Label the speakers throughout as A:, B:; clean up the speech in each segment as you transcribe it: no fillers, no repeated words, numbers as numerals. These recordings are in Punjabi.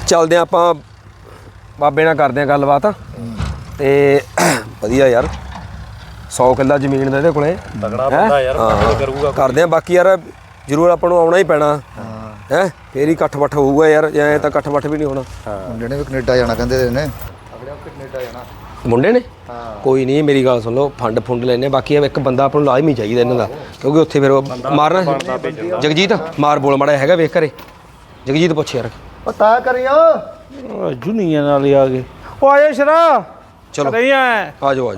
A: ਚੱਲਦੇ ਆ ਆਪਾਂ ਬਾਬੇ ਨਾਲ ਕਰਦੇ ਆ ਗੱਲਬਾਤ ਤੇ ਵਧੀਆ ਯਾਰ 100 ਕਿੱਲਾ ਜ਼ਮੀਨ ਦਾ ਇਹਦੇ ਕੋਲੇ
B: ਤਗੜਾ ਬੰਦਾ ਯਾਰ ਕਰੂਗਾ
A: ਕਰਦੇ ਆ ਬਾਕੀ ਯਾਰ ਜ਼ਰੂਰ ਆਪਾਂ ਨੂੰ ਆਉਣਾ ਹੀ ਪੈਣਾ ਹੈ ਫੇਰ ਹੀ ਇਕੱਠ ਬੱਠ ਹੋਊਗਾ ਯਾਰ ਐ ਤਾਂ ਇਕੱਠ ਬੱਠ ਵੀ ਨਹੀਂ ਹੋਣਾ
C: ਮੁੰਡੇ ਨੇ ਵੀ ਕੈਨੇਡਾ ਜਾਣਾ ਕਹਿੰਦੇ ਨੇ ਆਪਣੇ ਆਪ ਕੈਨੇਡਾ ਜਾਣਾ
A: ਮੁੰਡੇ ਨੇ ਕੋਈ ਨਹੀਂ ਮੇਰੀ ਗੱਲ ਸੁਣ ਲਓ ਫੰਡ ਲੈਣੇ ਬਾਕੀ ਇੱਕ ਬੰਦਾ ਆਪਾਂ ਨੂੰ ਲਾਜ਼ਮੀ ਚਾਹੀਦਾ ਇਹਨਾਂ ਦਾ ਕਿਉਂਕਿ ਉੱਥੇ ਫਿਰ ਮਾਰਨਾ ਜਗਜੀਤ ਮਾਰ ਬੋਲ ਮਾੜਾ ਹੈਗਾ ਵੇਖ ਘਰੇ ਜਗਜੀਤ ਪੁੱਛ ਯਾਰ
C: ਉਹ ਤਾਂ ਕਰੀਓ
B: ਜੁਨੀਆਂ ਨਾਲ ਹੀ ਆ ਗਏ ਉਹ ਆਏ ਸ਼ਰਾ
A: ਚਲੋ
B: ਨਹੀਂ ਆ
A: ਜਾਓ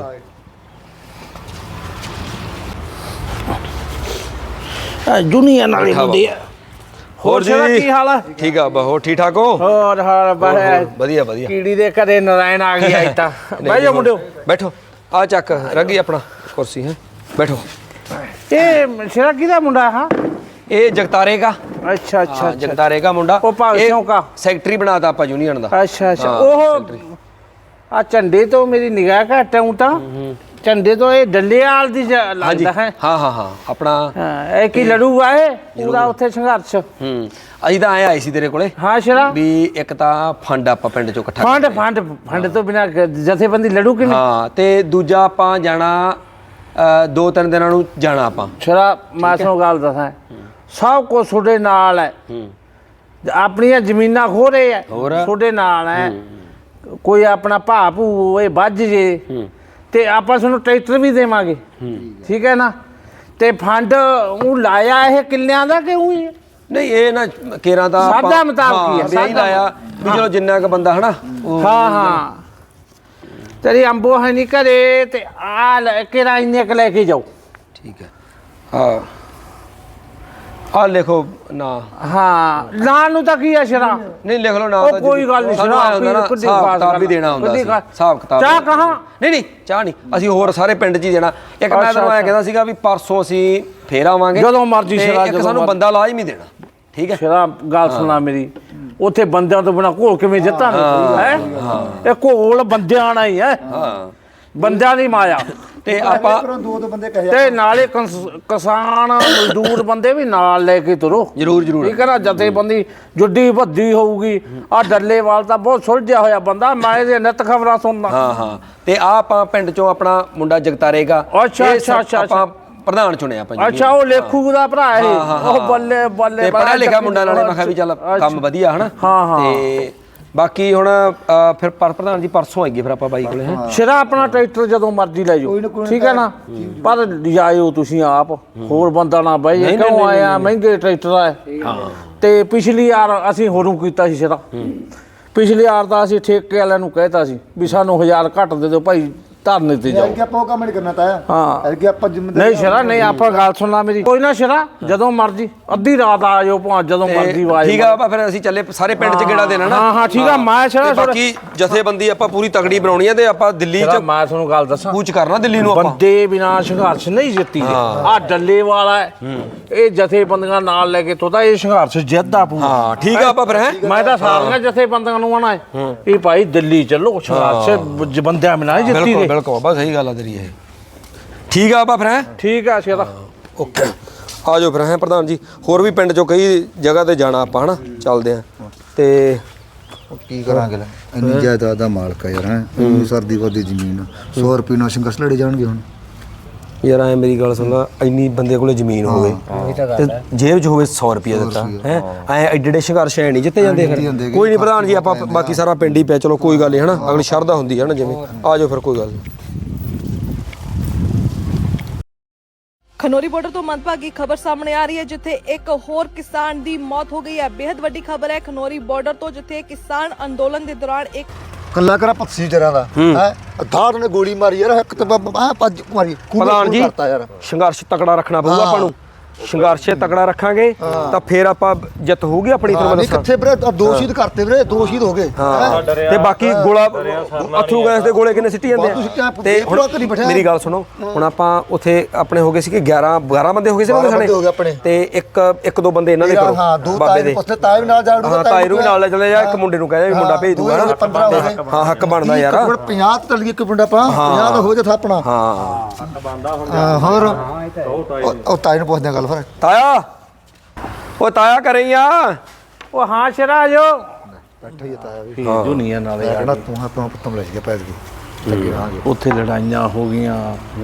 B: ਜੁਨੀਆਂ ਨਾਲ ਹੀ ਹੁੰਦੀ ਆ ਹੋਰ ਸ਼ਰਾ ਕੀ ਹਾਲ ਆ
A: ਠੀਕ ਆ ਹੋਰ ਠੀਕ ਠਾਕ ਹੋ
B: ਹੋਰ ਹਾਲ
A: ਵਧੀਆ ਵਧੀਆ
B: ਕੀੜੀ ਦੇ ਘਰੇ ਨਰਾਇਣ ਆ ਗਿਆ ਅੱਜ ਤਾਂ ਬਹਿ ਜਾ ਮੁੰਡਿਓ
A: ਬੈਠੋ ਆ ਚੱਕ ਰੱਗੀ ਆਪਣਾ ਕੁਰਸੀ ਹੈ ਬੈਠੋ
B: ਇਹ ਸ਼ਰਾ ਕਿਹਦਾ ਮੁੰਡਾ ਹਾਂ
A: ਇਹ ਜਗਤਾਰੇ ਦਾ
B: ਅੱਛਾ ਅੱਛਾ
A: ਜਗਤਾਰੇ ਦਾ ਮੁੰਡਾ
B: ਉਹ ਭਾਵਿਸ਼ੋਂ ਦਾ
A: ਸੈਕਟਰੀ ਬਣਾਤਾ ਆਪਾਂ ਯੂਨੀਅਨ ਦਾ
B: ਅੱਛਾ ਅੱਛਾ ਉਹ ਆ ਝੰਡੇ ਤੋਂ ਮੇਰੀ ਨਿਗਾਹ ਘੱਟ ਆਉਂ ਤਾਂ ਝੰਡੇ ਤੋਂ ਇਹ ਡੱਲੇਵਾਲ ਦੀ ਲੱਗਦਾ ਹੈ
A: ਹਾਂ ਆਪਣਾ
B: ਇਹ ਕੀ ਲੜੂਗਾ ਇਹ ਪੂਰਾ ਉੱਥੇ ਸੰਘਰਸ਼
A: ਅਸੀਂ ਤਾਂ ਆਏ ਸੀ ਤੇਰੇ ਕੋਲੇ
B: ਹਾਂ ਸ਼ਰਾ
A: ਵੀ ਇੱਕ ਤਾਂ ਫੰਡ ਆਪਾਂ ਪਿੰਡ ਚੋਂ ਇਕੱਠਾ
B: ਫੰਡ ਤੋਂ ਬਿਨਾ ਜਥੇਬੰਦੀ ਲੜੂ ਕਿਵੇਂ
A: ਹਾਂ ਤੇ ਦੂਜਾ ਆਪਾਂ ਜਾਣਾ 2-3 ਦਿਨਾਂ ਨੂੰ ਜਾਣਾ ਆਪਾਂ
B: ਸ਼ਰਾ ਮੈਂ ਤੁਹਾਨੂੰ ਗੱਲ ਦੱਸਾਂ ਸਭ ਕੁਝ ਤੁਹਾਡੇ ਨਾਲ ਹੈ ਆਪਣੀਆਂ ਜ਼ਮੀਨਾਂ ਖੋ ਰਹੇ ਹੈ ਤੁਹਾਡੇ ਨਾਲ ਹੈ ਕੋਈ ਆਪਣਾ ਭਾ ਭੂ ਇਹ ਵੱਜ ਜੇ ਤੇ ਆਪਾਂ ਤੁਹਾਨੂੰ ਟਰੈਕਟਰ ਵੀ ਦੇਵਾਂਗੇ ਠੀਕ ਹੈ ਨਾ ਤੇ ਫੰਡ ਉਹ ਲਾਇਆ ਇਹ ਕਿੱਲਿਆਂ ਦਾ ਕਿ ਉਹ
A: ਨਹੀਂ ਇਹ ਨਾ ਕੇਰਾਂ ਦਾ
B: ਸਾਡਾ ਮੁਤਾਬਕ ਹੀ
A: ਹੈ ਲਾਇਆ ਵੀ ਚਲੋ ਜਿੰਨਾ ਕ ਬੰਦਾ ਹਨਾ
B: ਹਾਂ ਤੇਰੀ ਅੰਬੋ ਹੈ ਨਹੀਂ ਘਰੇ ਤੇ ਆ ਕੇਰਾ ਇੰਨੇ ਕ ਲੈ ਕੇ ਜਾਓ
A: ਠੀਕ ਹੈ ਆ ਲਿਖੋ ਨਾ
B: ਹਾਂ ਨਾਂ ਨੂੰ ਤਾਂ ਕੀ ਆ ਸ਼ਰਾ
A: ਨਹੀਂ ਲਿਖ ਲਓ ਨਾ
B: ਤਾਂ ਕੋਈ ਗੱਲ ਨਹੀਂ ਸ਼ਰਾ
A: ਕਿਤਾਬ ਵੀ ਦੇਣਾ ਹੁੰਦਾ ਸੀ ਹਿਸਾਬ ਕਿਤਾਬ
B: ਚਾਹ ਕਹਾਂ
A: ਨਹੀਂ ਚਾਹ ਨਹੀਂ ਅਸੀਂ ਹੋਰ ਸਾਰੇ ਪਿੰਡ 'ਚ ਹੀ ਦੇਣਾ ਇੱਕ ਮੈਂ ਤੁਹਾਨੂੰ ਐਂ ਕਹਿੰਦਾ ਸੀਗਾ ਵੀ ਪਰਸੋਂ ਅਸੀਂ ਫੇਰ ਆਵਾਂਗੇ
B: ਜਦੋਂ ਮਰਜ਼ੀ ਸ਼ਰਾ
A: ਇੱਕ ਸਾਨੂੰ ਬੰਦਾ ਲਾਜ਼ਮੀ ਦੇਣਾ ਠੀਕ ਹੈ
B: ਸ਼ਰਾ ਗੱਲ ਸੁਣਾ ਮੇਰੀ ਉੱਥੇ ਬੰਦਿਆਂ ਤੋਂ ਬਿਨਾ ਘੋਲ ਕਿਵੇਂ ਜਿੱਤਾਂਗੇ ਹੈ ਇਹ ਘੋਲ ਬੰਦਿਆਂ ਨਾਲ ਹੀ ਹੈ ਬੰਦਿਆਂ ਦੀ ਮਾਇਆ
A: ਤੇ ਆਪਾਂ
C: ਦੋ ਬੰਦੇ ਕਹੇ
B: ਤੇ ਨਾਲੇ ਕਿਸਾਨ ਮਜ਼ਦੂਰ ਬੰਦੇ ਵੀ ਨਾਲ ਲੈ ਕੇ ਤੁਰੋ
A: ਜ਼ਰੂਰ
B: ਠੀਕ ਹੈ ਨਾ ਜਥੇਬੰਦੀ ਜੁੱਡੀ ਵੱਡੀ ਹੋਊਗੀ ਆ ਡੱਲੇਵਾਲ ਤਾਂ ਬਹੁਤ ਸੁਲਝਿਆ ਹੋਇਆ ਬੰਦਾ ਮੈਂ ਇਹਦੇ ਨਿੱਤ ਖਬਰਾਂ ਸੁਣਦਾ
A: ਹਾਂ ਤੇ ਆ ਆਪਾਂ ਪਿੰਡ ਚੋਂ ਆਪਣਾ ਮੁੰਡਾ ਜਗਤਾਰੇਗਾ
B: ਅੱਛਾ
A: ਆਪਾਂ ਪ੍ਰਧਾਨ ਚੁਣਿਆ ਆਪਾਂ
B: ਅੱਛਾ ਉਹ ਲੇਖੂ ਦਾ ਭਰਾ ਇਹ ਉਹ ਬੱਲੇ ਬੱਲੇ
A: ਪੜ੍ਹਿਆ ਲਿਖਿਆ ਮੁੰਡਾ ਨਾਲੇ ਮੈਂ ਕਿਹਾ ਵੀ ਚੱਲ ਕੰਮ ਵਧੀਆ ਹਨਾ ਤੇ ਬਾਕੀ ਹੁਣ ਫਿਰ ਪ੍ਰਧਾਨ ਜੀ ਪਰਸੋਂ ਆਈਏ ਫਿਰ ਆਪਾਂ ਬਾਈ ਕੋਲੇ
B: ਸ਼ਰਾ ਆਪਣਾ ਟਰੈਕਟਰ ਜਦੋਂ ਮਰਜ਼ੀ ਲੈ ਜਾਓ ਠੀਕ ਹੈ ਨਾ ਪਰ ਜਾਇਓ ਤੁਸੀਂ ਆਪ ਹੋਰ ਬੰਦਾ ਨਾ ਬਈ ਕਿਉਂ ਆਇਆ ਮਹਿੰਗੇ ਟਰੈਕਟਰ ਆ ਤੇ ਪਿਛਲੀ ਵਾਰ ਅਸੀਂ ਹੋਰੂ ਕੀਤਾ ਸੀ ਸ਼ਰਾ ਪਿਛਲੀ ਵਾਰ ਤਾਂ ਅਸੀਂ ਠੇਕੇ ਵਾਲਿਆਂ ਨੂੰ ਕਹਿਤਾ ਸੀ ਵੀ ਸਾਨੂੰ 1000 ਘੱਟ ਦੇ ਦਿਓ ਭਾਈ ਧਰਨੇ ਤੇ ਜਾਓ
C: ਆਪਾਂ ਕੰਮ ਨਹੀਂ ਕਰਨਾ ਤਾਇਆ
B: ਹਾਂ
C: ਐਲਗੇ ਆਪਾਂ ਜ਼ਿੰਮੇਦਾਰ
B: ਨਹੀਂ ਸ਼ਰਾ ਨਹੀਂ ਆਪਾਂ ਗੱਲ ਸੁਣਨਾ ਮੇਰੀ ਕੋਈ ਨਾ ਸ਼ਰਾ ਜਦੋਂ ਮਰਜ਼ੀ ਅੱਧੀ ਰਾਤ ਆ ਜਾਓ ਭਾਂ ਜਦੋਂ ਮਰਜ਼ੀ ਆਵਾਜ਼
A: ਠੀਕ ਆ ਆਪਾਂ ਫਿਰ ਅਸੀਂ ਚੱਲੇ ਸਾਰੇ ਪਿੰਡ 'ਚ ਗੇੜਾ ਦੇਣਾ ਨਾ
B: ਹਾਂ ਠੀਕ ਆ ਮੈਂ ਸ਼ਰਾ
A: ਬਾਕੀ ਜਥੇਬੰਦੀ ਆਪਾਂ ਪੂਰੀ ਤਗੜੀ ਬਣਾਉਣੀ ਆ ਤੇ ਆਪਾਂ ਦਿੱਲੀ 'ਚ
B: ਮੈਂ ਤੁਹਾਨੂੰ ਗੱਲ ਦੱਸਾਂ
A: ਕੂਚ ਕਰਨਾ ਦਿੱਲੀ ਨੂੰ ਆਪਾਂ
B: ਬੰਦੇ ਬਿਨਾ ਸੰਘਰਸ਼ ਨਹੀਂ ਜਿੱਤੀ ਆ ਡੱਲੇ ਵਾਲਾ ਇਹ ਜਥੇਬੰਦੀਆਂ ਨਾਲ ਲੈ ਕੇ ਤੋਦਾ ਇਹ ਸੰਘਰਸ਼ ਜਿੱਤਦਾ ਪੂਰਾ
A: ਹਾਂ ਠੀਕ ਆ ਆਪਾਂ ਫਿਰ ਹੈ
B: ਮੈਂ ਤਾਂ ਸਾਰੀਆਂ ਜਥੇਬੰਦੀਆਂ ਨੂੰ ਆਣਾ ਹੈ ਇਹ ਭਾਈ ਦਿੱਲੀ ਚੱਲੋ ਸੰਘਰਸ਼ ਬੰਦਿਆਂ ਬਿਨਾ ਜਿੱਤੀ ਦੇ
A: ਬਿਲਕੁਲ ਬਸ ਸਹੀ ਗੱਲ ਆ ਤੇਰੀ ਇਹ ਠੀਕ ਆ ਆਪਾਂ ਫਿਰ ਹੈ
B: ਠੀਕ ਆ ਸ਼ੇਰਾ
A: ਓਕੇ ਆ ਜਾਓ ਫਿਰ ਹੈ ਪ੍ਰਧਾਨ ਜੀ ਹੋਰ ਵੀ ਪਿੰਡ 'ਚੋਂ ਕਈ ਜਗ੍ਹਾ ਤੇ ਜਾਣਾ ਆਪਾਂ ਹਨਾ ਚੱਲਦੇ ਆ ਤੇ
C: ਕੀ ਕਰਾਂਗੇ ਲੈ ਇੰਨੀ ਜਾਇਦਾਦ ਦਾ ਮਾਲਕ ਆ ਯਾਰ ਹੈ ਇੰਨੀ ਸਰਦੀ ਵਰਦੀ ਜ਼ਮੀਨ 100 ਰੁਪਏ ਨਾਲ ਸੰਘਰਸ਼ ਲੜੇ ਜਾਣਗੇ ਹੁਣ
A: ਯਾਰ ਐ ਮੇਰੀ ਗੱਲ ਸੁਣ ਲਾ ਇੰਨੀ ਬੰਦੇ ਕੋਲੇ ਜ਼ਮੀਨ ਹੋਵੇ ਤੇ ਜੇਬ 'ਚ ਹੋਵੇ 100 ਰੁਪਏ ਦਿੱਤਾ ਹੈ ਐ ਐਡੇ ਸੰਘਰਸ਼ ਐ ਨਹੀਂ ਜਿੱਤੇ ਜਾਂਦੇ ਕੋਈ ਨਹੀਂ ਪ੍ਰਧਾਨ ਜੀ ਆਪਾਂ ਬਾਕੀ ਸਾਰਾ ਪਿੰਡ ਹੀ ਪਿਆ ਚਲੋ ਕੋਈ ਗੱਲ ਨਹੀਂ ਹਨਾ ਅਗਲੀ ਸ਼ਰਧਾ ਹੁੰਦੀ ਹੈ ਨਾ ਜਿਵੇਂ ਆ ਜਾਓ ਫਿਰ ਕੋਈ ਗੱਲ ਨਹੀਂ
D: ਖਨੌਰੀ ਬਾਰਡਰ ਤੋਂ ਮੰਦਭਾਗੀ ਖਬਰ ਸਾਹਮਣੇ ਆ ਰਹੀ ਹੈ ਜਿੱਥੇ ਇੱਕ ਹੋਰ ਕਿਸਾਨ ਦੀ ਮੌਤ ਹੋ ਗਈ ਹੈ ਬੇहद ਵੱਡੀ ਖਬਰ ਹੈ ਖਨੌਰੀ ਬਾਰਡਰ ਤੋਂ ਜਿੱਥੇ ਕਿਸਾਨ ਅੰਦੋਲਨ ਦੇ ਦੌਰਾਨ ਇੱਕ
C: ਕੱਲਾ ਕਰਾ ਪੱਸੀ ਜਰਾਂ ਦਾ ਹੈ ਅਧਾਰ ਨੇ ਗੋਲੀ ਮਾਰੀ ਯਾਰ ਇੱਕ ਤੇ ਭੱਜ ਮਾਰੀ
A: ਪ੍ਰਧਾਨ ਜੀ ਸੰਘਰਸ਼ ਤਕੜਾ ਰੱਖਣਾ ਪਊਗਾ ਆਪਾਂ ਨੂੰ ਸੰਘਰਸ਼ ਤਕੜਾ ਰੱਖਾਂਗੇ ਤਾਂ ਫੇਰ ਆਪਾਂ ਜਿੱਤ ਹੋਊਗੀ ਆਪਣੀ ਤਰ੍ਹਾਂ
C: ਨਹੀਂ ਕਿੱਥੇ ਵੀਰੇ ਦੋ ਸ਼ਹੀਦ ਕਰਤੇ ਵੀਰੇ 2 ਸ਼ਹੀਦ ਹੋ ਗਏ
A: ਤੇ ਬਾਕੀ ਗੋਲਾ ਅਥਰੂ ਗੈਸ ਦੇ ਗੋਲੇ ਕਿੰਨੇ ਸਿੱਟੀ ਜਾਂਦੇ ਆ ਤੇ ਹੁਣ ਮੇਰੀ ਗੱਲ ਸੁਣੋ ਹੁਣ ਆਪਾਂ ਉੱਥੇ ਆਪਣੇ ਹੋ ਗਏ ਸੀ ਕਿ 12 ਬੰਦੇ ਹੋ ਗਏ ਸੀ ਨਾ ਤੇ ਇੱਕ ਦੋ ਬੰਦੇ ਇਹਨਾਂ ਦੇ ਕਰੋ ਬਾਬੇ ਦੇ
C: ਤਾਏ ਵੀ ਨਾਲ ਜਾੜੂਗਾ
A: ਹਾਂ ਤਾਏ ਨੂੰ ਵੀ ਨਾਲ ਲੈ ਚਲੇ ਜਾ ਇੱਕ ਮੁੰਡੇ ਨੂੰ ਕਹਿੰਦੇ ਵੀ ਮੁੰਡਾ ਭੇਜ ਦੂਗਾ ਹਾਂ ਹੱਕ ਬਣਦਾ ਯਾਰ
C: 50 ਤਲ ਇੱਕ ਮੁੰਡਾ ਪਾ 50 ਦਾ ਹੋ ਜਾ ਥਾਪਣਾ
A: ਹਾਂ
C: ਹੱਕ ਬਣਦਾ ਹੁਣ ਹੋਰ ਉਹ ਤਾਏ ਨੂੰ ਪੁੱਛਦੇ ਗੱਲ ਫਿਰ
A: ਤਾਇਆ ਉਹ ਤਾਇਆ ਕਰੇ ਆ
B: ਉਹ ਹਾਂ ਸ਼ਰਾ ਜੋ
C: ਬੈਠਾ ਹੀ ਤਾਇਆ ਵੀ
B: ਇਹ ਦੁਨੀਆ ਨਾਲੇ ਆ
C: ਕਹਿੰਦਾ ਤੂੰ ਆਪਾਂ ਪੁੱਤਮ ਲੈ ਗਿਆ ਪੈਦ ਗਈ ਲੱਗੇ ਰਹਾਂਗੇ
B: ਉੱਥੇ ਲੜਾਈਆਂ ਹੋ ਗਈਆਂ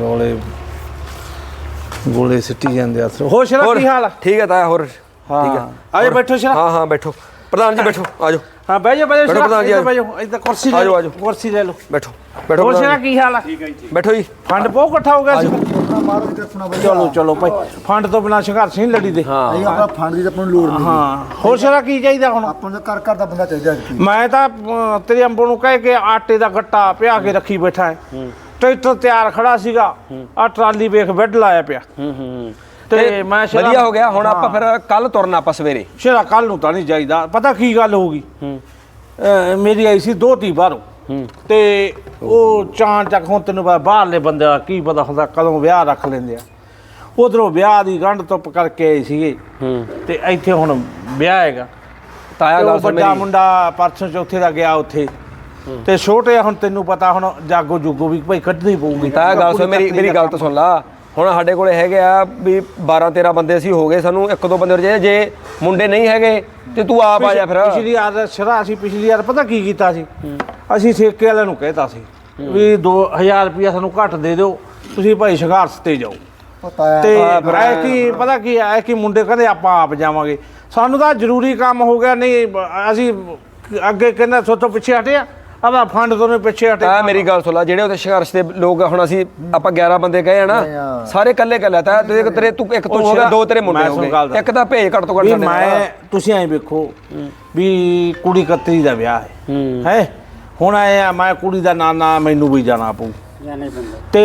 B: ਗੋਲੇ ਸਿੱਟੀ ਜਾਂਦੇ ਆ ਹੋਰ ਸ਼ਰਾ ਕੀ ਹਾਲ ਆ
A: ਠੀਕ ਹੈ ਤਾਇਆ ਹੋਰ ਠੀਕ ਹੈ
B: ਆਜੋ ਬੈਠੋ ਸ਼ਰਾ
A: ਹਾਂ ਹਾਂ ਬੈਠੋ ਪ੍ਰਧਾਨ ਜੀ ਬੈਠੋ ਆਜੋ
B: ਹਾਂ ਬਹਿ ਜਾ
A: ਬੈਠੋ ਪ੍ਰਧਾਨ ਜੀ,
B: ਇੱਧਰ ਬਹਿ ਜਾਓ ਇੱਧਰ ਕੁਰਸੀ ਲੈ
A: ਆਜੋ,
B: ਲਓ
A: ਆਜੋ।
B: ਕੁਰਸੀ ਲੈ ਲਓ
A: ਬੈਠੋ ਬੈਠੋ
B: ਹੋਰ
A: ਪ੍ਰਧਾਨ
B: ਸ਼ਰਾ
A: ਜੀ।
B: ਕੀ ਹਾਲ ਆ
A: ਬੈਠੋ ਜੀ
B: ਫੰਡ ਬਹੁਤ ਇਕੱਠਾ ਹੋ ਗਿਆ ਸੀ
C: ਆਪਣਾ ਮਹਾਰਾਜ ਦੱਸਣਾ ਬਈ
B: ਚਲੋ ਭਾਈ ਫੰਡ ਤੋਂ ਬਿਨਾਂ ਸੰਘਰਸ਼ ਨਹੀਂ ਲੜੀ ਦੇ
C: ਨਹੀਂ ਆਪਣਾ ਫੰਡ ਦੀ ਤਾਂ ਆਪਾਂ ਨੂੰ ਲੋੜ ਨਹੀਂ
B: ਹਾਂ ਹੋਰ ਸ਼ਰਾ ਕੀ ਚਾਹੀਦਾ ਹੁਣ
C: ਆਪਾਂ ਨੂੰ ਘਰ ਦਾ ਬੰਦਾ ਚਾਹੀਦਾ ਜੀ
B: ਮੈਂ ਤਾਂ ਤੇਰੇ ਅੰਬੋ ਨੂੰ ਕਹਿ ਕੇ ਆਟੇ ਦਾ ਗੱਟਾ ਪਿਆ ਕੇ ਰੱਖੀ ਬੈਠਾ ਹੈ ਟਰੈਕਟਰ ਤਿਆਰ ਖੜਾ ਸੀਗਾ ਆ ਟਰਾਲੀ ਵੇਖ ਬੈੱਡ ਲਾਇਆ ਪਿਆ ਤੇ ਮੈਂ
A: ਵਧੀਆ ਹੋ ਗਿਆ ਹੁਣ ਆਪਾਂ ਫਿਰ ਕੱਲ ਤੁਰਨਾ ਆਪਾਂ ਸਵੇਰੇ
B: ਸ਼ਰਾ ਕੱਲ ਨੂੰ ਤਾਂ ਨਹੀਂ ਜਾਈਦਾ ਪਤਾ ਕੀ ਗੱਲ ਹੋ ਗਈ ਮੇਰੀ ਆਈ ਸੀ ਦੋਤੀ ਬਾਹਰੋਂ ਤੇ ਉਹ ਚਾਂ ਚੱਕ ਹੁਣ ਤੈਨੂੰ ਪਤਾ ਬਾਹਰਲੇ ਬੰਦੇ ਦਾ ਕੀ ਪਤਾ ਹੁੰਦਾ ਕਦੋਂ ਵਿਆਹ ਰੱਖ ਲੈਂਦੇ ਆ ਉਧਰੋਂ ਵਿਆਹ ਦੀ ਗੰਢ ਧੁੱਪ ਕਰਕੇ ਆਏ ਸੀਗੇ ਤੇ ਇੱਥੇ ਹੁਣ ਵਿਆਹ ਹੈਗਾ
A: ਤਾਇਆ
B: ਤੇ ਉਹ
A: ਗੱਲ ਸੁਣ
B: ਵੱਡਾ
A: ਮੇਰੀ
B: ਮੁੰਡਾ ਪਰਸੋਂ ਚੌਥੇ ਦਾ ਗਿਆ ਉੱਥੇ ਤੇ ਛੋਟੇ ਹੁਣ ਤੈਨੂੰ ਪਤਾ ਹੁਣ ਜਾਗੋ ਜੁਗੋ ਵੀ ਭਾਈ ਕੱਢਣੀ ਪਊਗੀ
A: ਤਾਇਆ ਗੱਲ ਸੁਣ ਮੇਰੀ ਗੱਲ ਤਾਂ ਸੁਣ ਲਾ ਹੁਣ ਸਾਡੇ ਕੋਲੇ ਹੈਗੇ ਆ ਵੀ 12-13 ਬੰਦੇ ਅਸੀਂ ਹੋ ਗਏ ਸਾਨੂੰ 1-2 ਬੰਦੇ ਹੋਰ ਚਾਹੀਦੇ ਜੇ ਮੁੰਡੇ ਨਹੀਂ ਹੈਗੇ ਤੇ ਤੂੰ ਆਪ ਆ ਜਾ ਫਿਰ
B: ਪਿਛਲੀ ਵਾਰ ਸ਼ਰਾ ਅਸੀਂ ਪਿਛਲੀ ਵਾਰ ਪਤਾ ਕੀ ਕੀਤਾ ਸੀ ਅਸੀਂ ਠੇਕੇ ਵਾਲਿਆਂ ਨੂੰ ਕਹਿਤਾ ਸੀ ਵੀ 2000 ਰੁਪਇਆ ਸਾਨੂੰ ਘੱਟ ਦੇ ਦਿਓ ਤੁਸੀਂ ਭਾਈ ਸੰਘਰਸ਼ ਤੇ ਜਾਓ
C: ਪਤਾ
B: ਤੇ ਐ ਕੀ ਪਤਾ ਕੀ ਐ ਕਿ ਮੁੰਡੇ ਕਹਿੰਦੇ ਆਪਾਂ ਆਪ ਜਾਵਾਂਗੇ ਸਾਨੂੰ ਤਾਂ ਜ਼ਰੂਰੀ ਕੰਮ ਹੋ ਗਿਆ ਨਹੀਂ ਅਸੀਂ ਅੱਗੇ ਕਹਿੰਦਾ ਸੋਤੋਂ ਪਿੱਛੇ ਹਟਿਆ ਆਦਾ ਫੰਡ ਤੋਂ ਨੇ ਪਿੱਛੇ ਹਟੇ
A: ਤਾਂ ਮੇਰੀ ਗੱਲ ਸੁਣ ਲਾ ਜਿਹੜੇ ਉਹਦੇ ਸੰਘਰਸ਼ ਦੇ ਲੋਕ ਹੁਣ ਅਸੀਂ ਆਪਾਂ 11 ਬੰਦੇ ਗਏ ਆ ਨਾ ਸਾਰੇ ਇਕੱਲੇ ਤਾਂ ਤੇਰੇ ਤੂੰ ਇੱਕ ਤੂੰ ਹੋ ਗਿਆ 2 ਤੇਰੇ ਮੁੰਡੇ ਹੋ ਗਏ ਇੱਕ ਤਾਂ ਭੇਜ ਘੱਟ ਤੋਂ ਘੱਟ ਸਾਡੇ
B: ਮੈਂ ਤੁਸੀਂ ਐਂ ਵੇਖੋ ਵੀ ਕੁੜੀ ਕਤਰੀ ਦਾ ਵਿਆਹ ਹੈ ਹੁਣ ਆਏ ਆ ਮੈਂ ਕੁੜੀ ਦਾ ਨਾਨਾ ਮੈਨੂੰ ਵੀ ਜਾਣਾ ਪਊ ਤੇ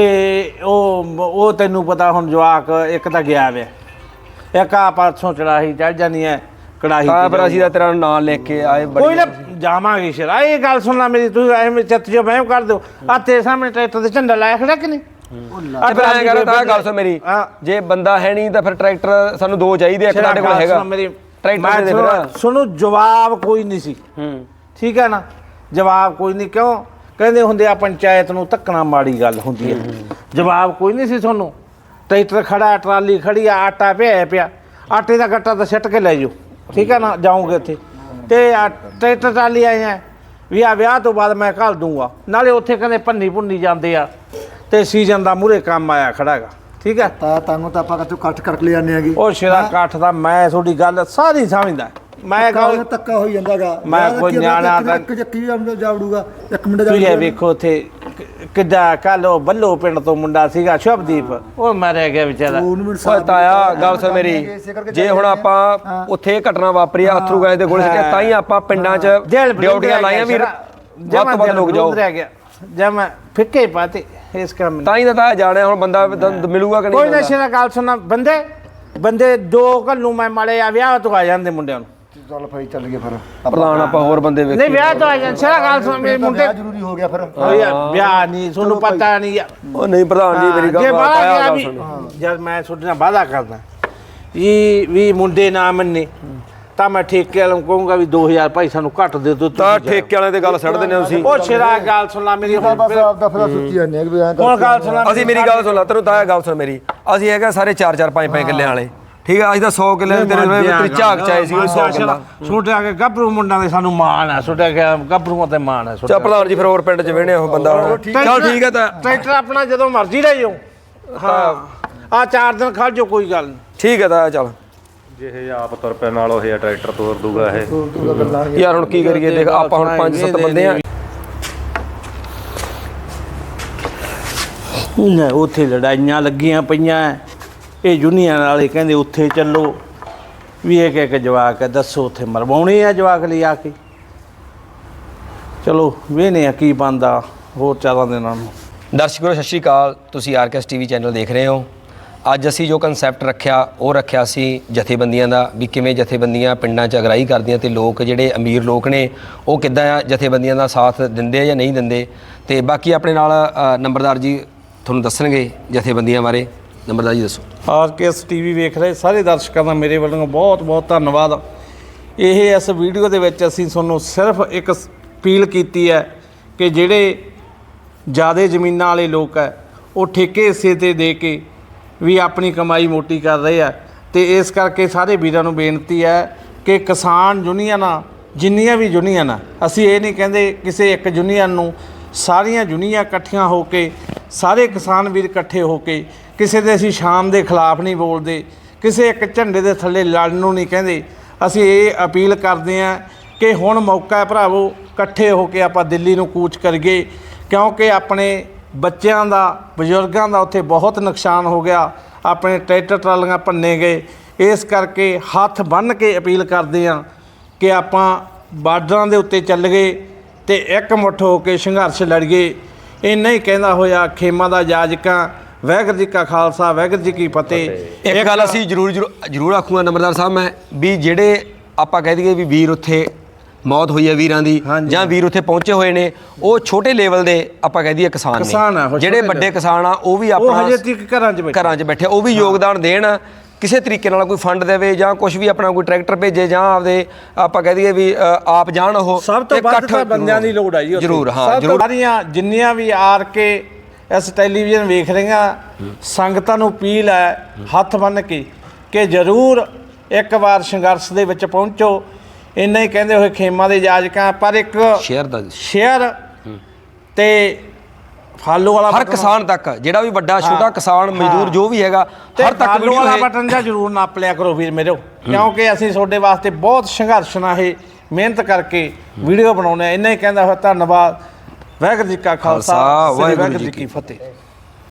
B: ਉਹ ਤੈਨੂੰ ਪਤਾ ਹੁਣ ਜਵਾਕ ਇੱਕ ਤਾਂ ਗਿਆ ਵੇ ਇੱਕ ਆ ਪਰਸੋਂ ਚੜਾਹੀ ਚੜ ਜਾਣੀ ਹੈ ਕੜਾਹੀ
A: ਹਾਂ ਪਰ ਅਸੀਂ ਤਾਂ ਤੇਰਾ ਨਾਂ ਲੈ ਕੇ ਆਏ
B: ਕੋਈ ਨਾ ਜਾਵਾਂਗੇ ਸ਼ਰਾ ਇਹ ਗੱਲ ਸੁਣਨਾ ਮੇਰੀ ਤੂੰ ਐਵੇਂ ਚੱਤ ਜੋ ਮੈਂ ਕਰ ਦਿਓ ਆ ਤੇਰੇ ਸਾਹਮਣੇ ਟਰੈਕਟਰ ਤੇ ਝੰਡਾ ਲਾਇਆ ਖੜਾ ਕਿ ਨਹੀਂ
A: ਫਿਰ ਐਂ ਕਰ ਤਾਂ ਗੱਲ ਸੁਣ ਮੇਰੀ ਜੇ ਬੰਦਾ ਹੈ ਨਹੀਂ ਤਾਂ ਫਿਰ ਟਰੈਕਟਰ ਸਾਨੂੰ 2 ਚਾਹੀਦੇ ਇੱਕ ਸਾਡੇ ਕੋਲ ਹੈਗਾ ਟਰੈਕਟਰ ਦੇ ਫਿਰ
B: ਸੁਣੋ ਜਵਾਬ ਕੋਈ ਨਹੀਂ ਸੀ ਠੀਕ ਹੈ ਨਾ ਜਵਾਬ ਕੋਈ ਨਹੀਂ ਕਿਉਂ ਕਹਿੰਦੇ ਹੁੰਦੇ ਆ ਪੰਚਾਇਤ ਨੂੰ ਧੱਕਣਾ ਮਾੜੀ ਗੱਲ ਹੁੰਦੀ ਹੈ ਜਵਾਬ ਕੋਈ ਨਹੀਂ ਸੀ ਤੁਹਾਨੂੰ ਟਰੈਕਟਰ ਖੜਾ ਟਰਾਲੀ ਖੜੀ ਆ ਆਟਾ ਪਿਆ ਆਟੇ ਦਾ ਗੱਟਾ ਤਾਂ ਸਿੱਟ ਕੇ ਲੈ ਜਾਓ ਠੀਕ ਹੈ ਨਾ ਜਾਓਗੇ ਉੱਥੇ ਤੇ ਟਰੈਕਟਰ ਟਰਾਲੀ ਆਏ ਆ ਵੀ ਆ ਵਿਆਹ ਤੋਂ ਬਾਅਦ ਮੈਂ ਘੱਲ ਦੂੰਗਾ ਨਾਲੇ ਉੱਥੇ ਕਹਿੰਦੇ ਭੁੰਨੀ ਜਾਂਦੇ ਆ ਤੇ ਸੀਜ਼ਨ ਦਾ ਮੂਹਰੇ ਕੰਮ ਆਇਆ ਖੜਾ ਹੈਗਾ ਠੀਕ ਹੈ
C: ਤਾਂ ਤੁਹਾਨੂੰ ਤਾਂ ਆਪਾਂ ਕਿਤੋਂ ਕੱਟ ਕਰਕੇ ਲੈ ਜਾਂਦੇ ਆਗੇ
B: ਉਹ ਸ਼ੇਰਾ ਕਾਠ ਦਾ ਮੈਂ ਤੁਹਾਡੀ ਗੱਲ ਸਾਰੀ ਸਮਝਦਾ ਮੈਂ ਗੱਲ
C: ਧੱਕਾ ਹੋਈ ਜਾਂਦਾਗਾ
B: ਮੈਂ ਕੋਈ ਨਿਆਣਾ
C: ਇੱਕ ਜੱਕੀ ਜਾਵੜੂਗਾ ਇੱਕ ਮਿੰਟ
B: ਤੁਸੀਂ ਇਹ ਵੇਖੋ ਉੱਥੇ ਕਿੱਦਾਂ ਕੱਲ ਉਹ ਬੱਲੋ ਪਿੰਡ ਤੋਂ ਮੁੰਡਾ ਸੀਗਾ ਸ਼ੁਭਦੀਪ ਉਹ ਮਾਰਿਆ ਗਿਆ ਵਿਚਾਰਾ
A: ਓਏ ਤਾਇਆ ਗੱਲ ਸੁਣ ਮੇਰੀ ਜੇ ਹੁਣ ਆਪਾਂ ਉੱਥੇ ਘਟਨਾ ਵਾਪਰੀ ਆ ਅਥਰੂ ਗੈਸ ਦੇ ਗੋਲੇ ਸਿੱਟੇ ਤਾਂ ਹੀ ਆਪਾਂ ਪਿੰਡਾਂ 'ਚ ਡਿਊਟੀਆਂ ਲਾਈਆਂ ਵੀ ਵੱਧ ਤੋਂ ਵੱਧ ਲੋਕ ਜਾਓ
B: ਜਦ ਮੈਂ ਫਿੱਕੇ ਪਾਤੇ ਇਸ ਕੰਮ
A: ਤਾਂ ਹੀ ਤਾਂ ਜਾਣਿਆ ਹੁਣ ਬੰਦਾ ਮਿਲੂਗਾ ਕਿ ਨਹੀਂ
B: ਕੋਈ ਨਸ਼ੇ ਦਾ ਗੱਲ ਸੁਣਨਾ ਬੰਦੇ 2 ਘੱਲੂ ਮੈਂ ਮਾੜੇ ਆ ਵਿਆਹ ਤੋਂ ਆ ਜਾਂਦੇ ਮੁੰਡਿਆਂ ਨੂੰ
C: ਚੱਲ ਭਾਈ ਚੱਲ ਗਏ ਫਿਰ
A: ਪ੍ਰਧਾਨ ਆਪਾਂ ਹੋਰ ਬੰਦੇ ਵੇਖ
B: ਨਹੀਂ ਵਿਆਹ ਤੋਂ ਆ ਜਾਂਦੇ ਸਾਰਾ ਗੱਲ ਸੁਣ ਮੇਰੇ ਮੁੰਡੇ
C: ਜ਼ਰੂਰੀ ਹੋ ਗਿਆ ਫਿਰ
B: ਵਿਆਹ ਨਹੀਂ ਤੁਹਾਨੂੰ ਪਤਾ ਨਹੀਂ
A: ਉਹ ਨਹੀਂ ਪ੍ਰਧਾਨ ਜੀ ਮੇਰੀ ਗੱਲ
B: ਤਾਇਆ ਵੀ ਜਦ ਮੈਂ ਤੁਹਾਡੇ ਨਾਲ ਵਾਅਦਾ ਕਰਦਾ ਇਹ ਵੀ ਮੁੰਡੇ ਨਾ ਮੰਨੇ ਤਾਂ ਮੈਂ ਠੇਕੇ ਵਾਲਿਆਂ ਨੂੰ ਕਹੂੰਗਾ ਵੀ 2000 ਭਾਈ ਸਾਨੂੰ ਘੱਟ ਦੇ ਦਿਓ
A: ਤਾਂ ਠੇਕੇ ਵਾਲਿਆਂ ਤੇ ਗੱਲ ਛੱਡ ਦਿੰਦੇ ਤੁਸੀਂ
B: ਉਹ ਸ਼ੇਰਾ ਗੱਲ ਸੁਣ ਲੈ ਮੇਰੀ ਹੁਣ
C: ਬਸ ਆਪਦਾ ਫਿਰ ਸੁੱਤੀ ਜਾਂਦੇ ਆ ਵੀ ਐਂ
B: ਹੁਣ ਗੱਲ ਸੁਣ ਲੈ
A: ਅਸੀਂ ਮੇਰੀ ਗੱਲ ਸੁਣ ਲਾ ਤੈਨੂੰ ਤਾਇਆ ਗੱਲ ਸੁਣ ਮੇਰੀ ਅਸੀਂ ਹੈਗਾ ਸਾਰੇ 4-4 5-5 ਕਿੱਲੇ ਵਾਲੇ ਠੀਕ ਆ ਅਸੀਂ ਤਾਂ 100 ਕਿੱਲੇ ਤੇਰੇ ਝਾਕ ਚਾਏ ਸੀ 100 ਕਿੱਲਾ
B: ਛੋਟੇ ਆ ਕੇ ਗੱਭਰੂ ਮੁੰਡਾਂ ਦੇ ਸਾਨੂੰ ਮਾਣ ਆ ਛੋਟੇ ਗੱਭਰੂਆਂ ਤੇ ਮਾਣ ਆ
A: ਚਾ ਪ੍ਰਧਾਨ ਜੀ ਫਿਰ ਹੋਰ ਪਿੰਡ 'ਚ ਵੇਹਣੇ ਉਹ ਬੰਦਾ ਚੱਲ ਠੀਕ ਹੈ ਤਾਂ
B: ਟਰੈਕਟਰ ਆਪਣਾ ਜਦੋਂ ਮਰਜ਼ੀ ਲੈ ਜਾਓ ਹਾਂ ਆ 4 ਦਿਨ ਖੜ ਜਾਓ ਕੋਈ ਗੱਲ ਨਹੀਂ
A: ਠੀਕ ਹੈ ਤਾਂ ਚੱਲ
E: ਜਿਹੇ ਆਪ ਤੁਰ ਪੈ ਨਾਲ ਉਹ ਟਰੈਕਟਰ ਤੋਰ ਦੂਗਾ ਇਹ
A: ਯਾਰ ਹੁਣ ਕੀ ਕਰੀਏ ਦੇਖ ਆਪਾਂ ਹੁਣ 5-7 ਬੰਦੇ ਆ
B: ਉੱਥੇ ਲੜਾਈਆਂ ਲੱਗੀਆਂ ਪਈਆਂ ਇਹ ਯੂਨੀਅਨ ਵਾਲੇ ਕਹਿੰਦੇ ਉੱਥੇ ਚੱਲੋ ਵੀ ਇੱਕ ਜਵਾਕ ਹੈ ਦੱਸੋ ਉੱਥੇ ਮਰਵਾਉਣੇ ਆ ਜਵਾਕ ਲਈ ਆ ਕੇ ਚਲੋ ਵੇਖਦੇ ਆ ਕੀ ਬਣਦਾ ਹੋਰ 4 ਦਿਨਾਂ ਨੂੰ
A: ਦਰਸ਼ਕੋ ਸਤਿ ਸ਼੍ਰੀ ਅਕਾਲ ਤੁਸੀਂ ਆਰਕੇਐਸ ਟੀਵੀ ਚੈਨਲ ਦੇਖ ਰਹੇ ਹੋ ਅੱਜ ਅਸੀਂ ਜੋ ਕਨਸੈਪਟ ਰੱਖਿਆ ਸੀ ਜਥੇਬੰਦੀਆਂ ਦਾ ਵੀ ਕਿਵੇਂ ਜਥੇਬੰਦੀਆਂ ਪਿੰਡਾਂ 'ਚ ਅਗਰਾਈ ਕਰਦੀਆਂ ਤੇ ਲੋਕ ਜਿਹੜੇ ਅਮੀਰ ਲੋਕ ਨੇ ਉਹ ਕਿੱਦਾਂ ਜਥੇਬੰਦੀਆਂ ਦਾ ਸਾਥ ਦਿੰਦੇ ਆ ਜਾਂ ਨਹੀਂ ਦਿੰਦੇ ਤੇ ਬਾਕੀ ਆਪਣੇ ਨਾਲ ਨੰਬਰਦਾਰ ਜੀ ਤੁਹਾਨੂੰ ਦੱਸਣਗੇ ਜਥੇਬੰਦੀਆਂ ਬਾਰੇ ਨੰਬਰਦਾਰ ਜੀ ਦੱਸੋ
B: ਆਰਕੇਐਸ ਟੀਵੀ ਵੇਖ ਰਹੇ ਸਾਰੇ ਦਰਸ਼ਕਾਂ ਦਾ ਮੇਰੇ ਵੱਲੋਂ ਬਹੁਤ ਬਹੁਤ ਧੰਨਵਾਦ ਇਹ ਇਸ ਵੀਡੀਓ ਦੇ ਵਿੱਚ ਅਸੀਂ ਤੁਹਾਨੂੰ ਸਿਰਫ ਇੱਕ ਅਪੀਲ ਕੀਤੀ ਹੈ ਕਿ ਜਿਹੜੇ ਜ਼ਿਆਦਾ ਜ਼ਮੀਨਾਂ ਵਾਲੇ ਲੋਕ ਹੈ ਉਹ ਠੇਕੇ ਹਿੱਸੇ ਤੇ ਦੇ ਕੇ ਵੀ ਆਪਣੀ ਕਮਾਈ ਮੋਟੀ ਕਰ ਰਹੇ ਆ ਤੇ ਇਸ ਕਰਕੇ ਸਾਰੇ ਵੀਰਾਂ ਨੂੰ ਬੇਨਤੀ ਹੈ ਕਿ ਕਿਸਾਨ ਯੂਨੀਅਨਾਂ ਜਿੰਨੀਆਂ ਵੀ ਯੂਨੀਅਨ ਆ, ਅਸੀਂ ਇਹ ਨਹੀਂ ਕਹਿੰਦੇ ਕਿਸੇ ਇੱਕ ਯੂਨੀਅਨ ਨੂੰ, ਸਾਰੀਆਂ ਯੂਨੀਅਨਾਂ ਇਕੱਠੀਆਂ ਹੋ ਕੇ, ਸਾਰੇ ਕਿਸਾਨ ਵੀਰ ਇਕੱਠੇ ਹੋ ਕੇ, ਕਿਸੇ ਦੇ ਅਸੀਂ ਸ਼ਾਮ ਦੇ ਖਿਲਾਫ ਨਹੀਂ ਬੋਲਦੇ, ਕਿਸੇ ਇੱਕ ਝੰਡੇ ਦੇ ਥੱਲੇ ਲੜਨ ਨੂੰ ਨਹੀਂ ਕਹਿੰਦੇ। ਅਸੀਂ ਇਹ ਅਪੀਲ ਕਰਦੇ ਹਾਂ ਕਿ ਹੁਣ ਮੌਕਾ ਹੈ ਭਰਾਵੋ, ਇਕੱਠੇ ਹੋ ਕੇ ਆਪਾਂ ਦਿੱਲੀ ਨੂੰ ਕੂਚ ਕਰੀਏ, ਕਿਉਂਕਿ ਆਪਣੇ ਬੱਚਿਆਂ ਦਾ, ਬਜ਼ੁਰਗਾਂ ਦਾ ਉੱਥੇ ਬਹੁਤ ਨੁਕਸਾਨ ਹੋ ਗਿਆ, ਆਪਣੇ ਟਰੈਕਟਰ ਟਰਾਲੀਆਂ ਭੰਨੇ ਗਏ। ਇਸ ਕਰਕੇ ਹੱਥ ਬੰਨ੍ਹ ਕੇ ਅਪੀਲ ਕਰਦੇ ਹਾਂ ਕਿ ਆਪਾਂ ਬਾਰਡਰਾਂ ਦੇ ਉੱਤੇ ਚੱਲ ਗਏ ਤੇ ਇਕਮੁੱਠ ਹੋ ਕੇ ਸੰਘਰਸ਼ ਲੜੀਏ। ਇੰਨਾ ਹੀ ਕਹਿੰਦਾ ਹੋਇਆ ਖੇਮਾ ਦਾ ਜਾਜਕਾਂ, ਵਾਹਿਗੁਰੂ ਜੀ ਕਾ ਖਾਲਸਾ, ਵਾਹਿਗੁਰੂ ਜੀ ਕੀ ਫਤਿਹ।
A: ਇੱਕ ਗੱਲ ਅਸੀਂ ਜ਼ਰੂਰ ਆਖੂਗਾ ਨੰਬਰਦਾਰ ਸਾਹਿਬ, ਮੈਂ ਵੀ ਜਿਹੜੇ ਆਪਾਂ ਕਹਿ ਦਈਏ ਵੀ ਵੀਰ ਉੱਥੇ ਮੌਤ ਹੋਈ ਹੈ ਵੀਰਾਂ ਦੀ, ਜਾਂ ਵੀਰ ਉੱਥੇ ਪਹੁੰਚੇ ਹੋਏ ਨੇ, ਉਹ ਛੋਟੇ ਲੈਵਲ ਦੇ ਆਪਾਂ ਕਹਿ ਦਈਏ ਕਿਸਾਨ ਨੇ। ਜਿਹੜੇ ਵੱਡੇ ਕਿਸਾਨ ਆ ਉਹ ਵੀ ਆਪਣਾ
B: ਹਜੇ ਤੱਕ ਘਰਾਂ 'ਚ
A: ਬੈਠੇ, ਉਹ ਵੀ ਯੋਗਦਾਨ ਦੇਣ, ਕਿਸੇ ਤਰੀਕੇ ਨਾਲ ਕੋਈ ਫੰਡ ਦੇਵੇ ਜਾਂ ਕੁਝ ਵੀ, ਆਪਣਾ ਕੋਈ ਟਰੈਕਟਰ ਭੇਜੇ ਜਾਂ ਆਪਦੇ ਆਪਾਂ ਕਹਿ ਦਈਏ ਵੀ ਆਪ ਜਾਣ। ਉਹ
B: ਸਭ ਤੋਂ ਵੱਧ ਤਾਂ ਬੰਦਿਆਂ ਦੀ ਲੋੜ ਹੈ ਜੀ
A: ਜ਼ਰੂਰ। ਹਾਂ ਜ਼ਰੂਰ।
B: ਸਾਰੀਆਂ ਜਿੰਨੀਆਂ ਵੀ ਆਰ ਕੇ ਇਸ ਟੈਲੀਵਿਜ਼ਨ ਵੇਖ ਰਹੀਆਂ ਸੰਗਤਾਂ ਨੂੰ ਅਪੀਲ ਹੈ ਹੱਥ ਬੰਨ੍ਹ ਕੇ ਕਿ ਜ਼ਰੂਰ ਇੱਕ ਵਾਰ ਸੰਘਰਸ਼ ਦੇ ਵਿੱਚ ਪਹੁੰਚੋ। ਇੰਨਾ ਹੀ ਕਹਿੰਦੇ ਹੋਏ ਖੇਮਾ ਦੇ ਜਾਜਕਾਂ, ਪਰ ਇੱਕ ਸ਼ੇਅਰ ਤੇ ਫਾਲੋ ਵਾਲਾ
A: ਹਰ ਕਿਸਾਨ ਤੱਕ, ਜਿਹੜਾ ਵੀ ਵੱਡਾ ਛੋਟਾ ਕਿਸਾਨ ਮਜ਼ਦੂਰ ਜੋ ਵੀ ਹੈਗਾ, ਹਰ ਤੱਕ
B: ਫਾਲੋ ਵਾਲਾ ਬਟਨ ਜਾਂ ਜ਼ਰੂਰ ਨੱਪ ਲਿਆ ਕਰੋ ਵੀਰ ਮੇਰੋ, ਕਿਉਂਕਿ ਅਸੀਂ ਤੁਹਾਡੇ ਵਾਸਤੇ ਬਹੁਤ ਸੰਘਰਸ਼ ਨਾਲ ਇਹ ਮਿਹਨਤ ਕਰਕੇ ਵੀਡੀਓ ਬਣਾਉਂਦੇ ਆ। ਇੰਨਾ ਹੀ ਕਹਿੰਦਾ ਹੋਇਆ ਧੰਨਵਾਦ। ਵਾਹਿਗੁਰੂ ਜੀ ਕਾ ਖਾਲਸਾ, ਵਾਹਿਗੁਰੂ ਜੀ ਕੀ ਫਤਿਹ।